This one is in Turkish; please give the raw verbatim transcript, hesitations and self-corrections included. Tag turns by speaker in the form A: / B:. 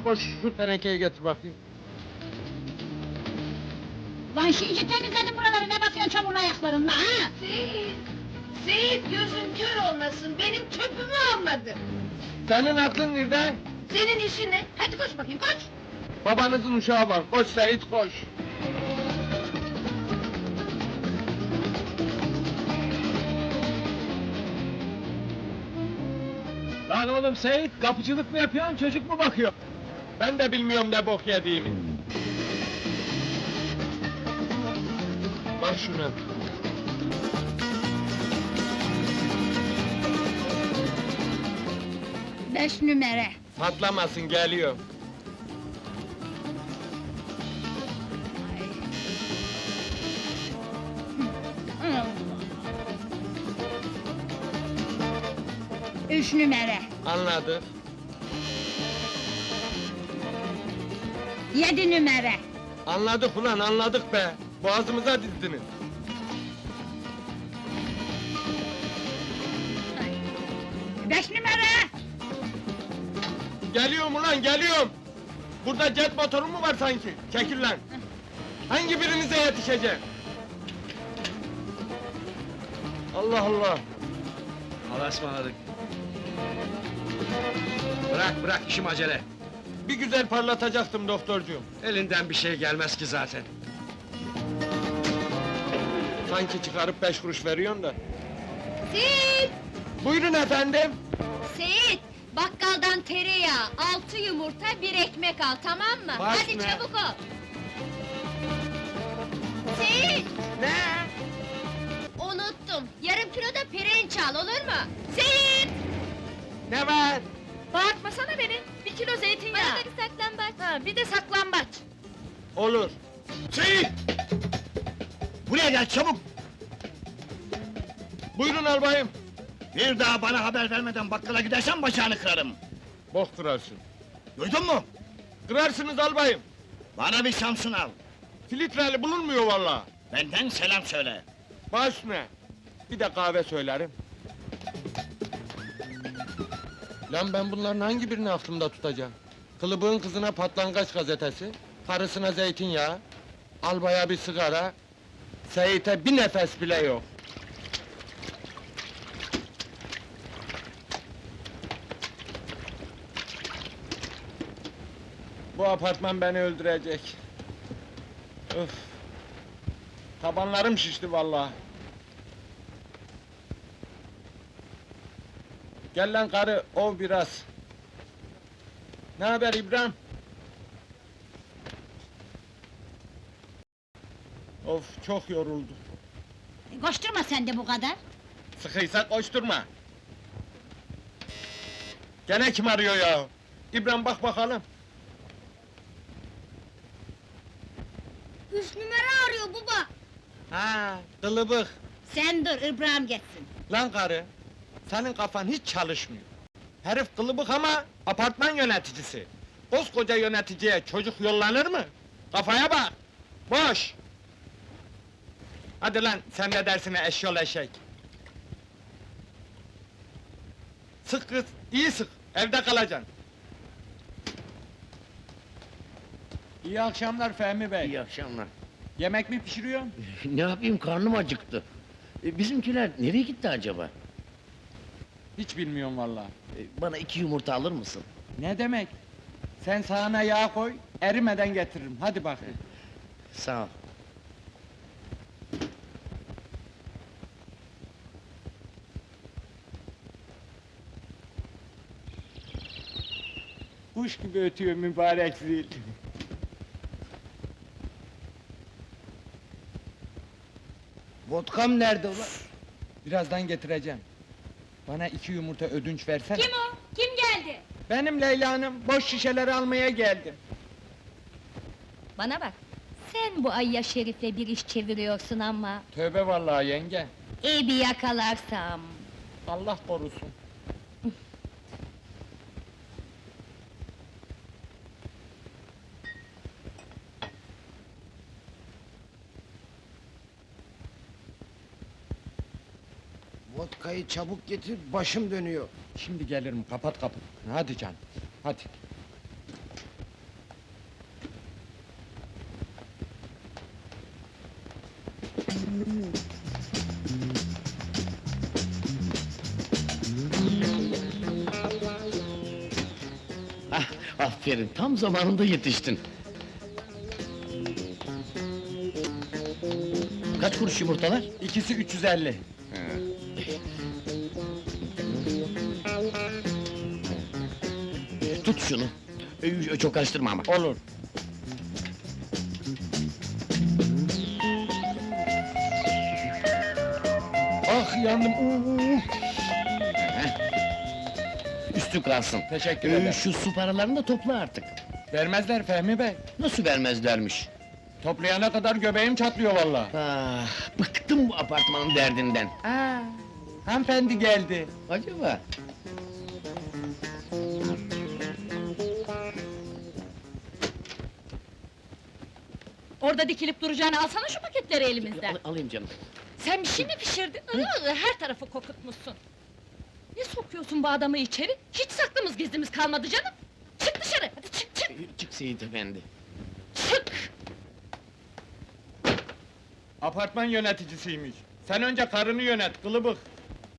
A: İbrahim koş şu tenekeyi getir bakayım.
B: Lan şimdi temizledim buraları, ne bakıyorsun çamurlu ayaklarınla ha?
C: Seyit! Seyit gözün kör olmasın, benim çöpümü almadı.
A: Senin aklın nerede?
C: Senin işin ne? Hadi koş bakayım, koş!
A: Babanızın uşağı var. Koş Seyit koş. Lan oğlum Seyit, kapıcılık mı yapıyorsun, çocuk mu bakıyor? Ben de bilmiyorum ne bok yediğimi. Bak şuna.
B: Beş numara.
A: Patlamasın, geliyor.
B: Üç numara.
A: Anladık.
B: Yedi numara.
A: Anladık ulan, anladık be. Boğazımıza dizdiniz.
B: Beş numara.
A: Geliyorum ulan, geliyorum! Burada jet motoru mu var sanki? Çekil lan! Hangi birinize yetişeceğim? Allah Allah!
D: Allah'a ısmarladık. Bırak bırak, işim acele.
A: Bir güzel parlatacaktım doktorcuğum.
D: Elinden bir şey gelmez ki zaten.
A: Sanki çıkarıp beş kuruş veriyorsun da.
E: Seyit!
A: Buyurun efendim!
E: Seyit! Bakkaldan tereyağı, altı yumurta, bir ekmek al, tamam mı?
A: Baş
E: Hadi
A: ne?
E: çabuk ol! Seyit!
A: Ne?
E: Unuttum, yarım kilo da pirinç al, olur mu? Seyit!
A: Ne var?
E: Bağırtmasana beni, bir kilo zeytinyağı! Bana da bir saklambaç! Ha, bir de saklambaç!
A: Olur.
D: Seyit! Buraya gel çabuk!
A: Buyurun albayım.
D: Bir daha bana haber vermeden bakkala gidersen bacağını kırarım.
A: Bok kırarsın.
D: Duydun mu?
A: Kırarsınız albayım.
D: Bana bir Samsun al.
A: Filtreli bulunmuyor vallahi.
D: Benden selam söyle.
A: Baş ne? Bir de kahve söylerim. Lan ben bunların hangi birini aklımda tutacağım? Kılıbığın kızına patlangaç gazetesi, karısına zeytinyağı, albaya bir sigara, Seyit'e bir nefes bile yok. Bu apartman beni öldürecek. Öf! Tabanlarım şişti vallahi. Gel lan karı, ov biraz. Ne haber İbrahim? Of, çok yoruldu.
B: E, koşturma sen de bu kadar.
A: Sıkıysa koşturma. Gene kim arıyor ya? İbrahim bak bakalım.
B: Üç numara arıyor baba.
A: Ha, kılıbık.
B: Sen dur, İbrahim geçsin.
A: Lan karı, senin kafan hiç çalışmıyor. Herif kılıbık ama apartman yöneticisi. Koskoca yöneticiye çocuk yollanır mı? Kafaya bak! Boş! Hadi lan, sen de dersine eşyol eşek! Sık kız, iyi sık, evde kalacaksın! İyi akşamlar Fehmi Bey.
F: İyi akşamlar.
A: Yemek mi pişiriyorsun?
F: Ne yapayım, karnım acıktı. E, bizimkiler nereye gitti acaba?
A: Hiç bilmiyorum vallahi.
F: E, bana iki yumurta alır mısın?
A: Ne demek? Sen sağına yağ koy, erimeden getiririm. Hadi bakayım.
F: Sağ ol.
A: Kuş gibi ötüyor mübarek zil.
F: Vodkam nerede ulan?
A: Birazdan getireceğim. Bana iki yumurta ödünç versene.
E: Kim o? Kim geldi?
A: Benim Leyla Hanım, boş şişeleri almaya geldim.
E: Bana bak, sen bu Ayya Şerif'le bir iş çeviriyorsun ama...
A: Tövbe vallahi yenge.
E: ...iyi bir yakalarsam...
A: Allah korusun.
G: Vodkayı çabuk getir, başım dönüyor.
A: Şimdi gelirim, kapat kapıyı. Hadi canım, hadi.
F: Ah, aferin, tam zamanında yetiştin. Kaç kuruş yumurtalar?
A: İkisi üç yüz elli.
F: Tut şunu. Ee, Çok karıştırma ama.
A: Olur. Ah yandım. Uuu.
F: Üstü kalsın.
A: Teşekkür
F: Ee,
A: ederim.
F: Şu su paralarını da topla artık.
A: Vermezler Fehmi Bey.
F: Nasıl vermezlermiş?
A: Toplayana kadar göbeğim çatlıyor vallahi.
F: Ah, bıktım bu apartmanın derdinden.
A: Aa, hanımefendi geldi.
F: Acaba?
E: Orada dikilip duracağını alsana şu paketleri elimizden.
F: Al- alayım canım.
E: Sen bir şey mi pişirdin? Iı, her tarafı kokutmuşsun. Ne sokuyorsun bu adamı içeri? Hiç saklımız gizlimiz kalmadı canım. Çık dışarı, hadi çık çık,
F: Ee, Çık Seyit efendi.
E: çık!
A: Apartman yöneticisiymiş. Sen önce karını yönet, kılıbık.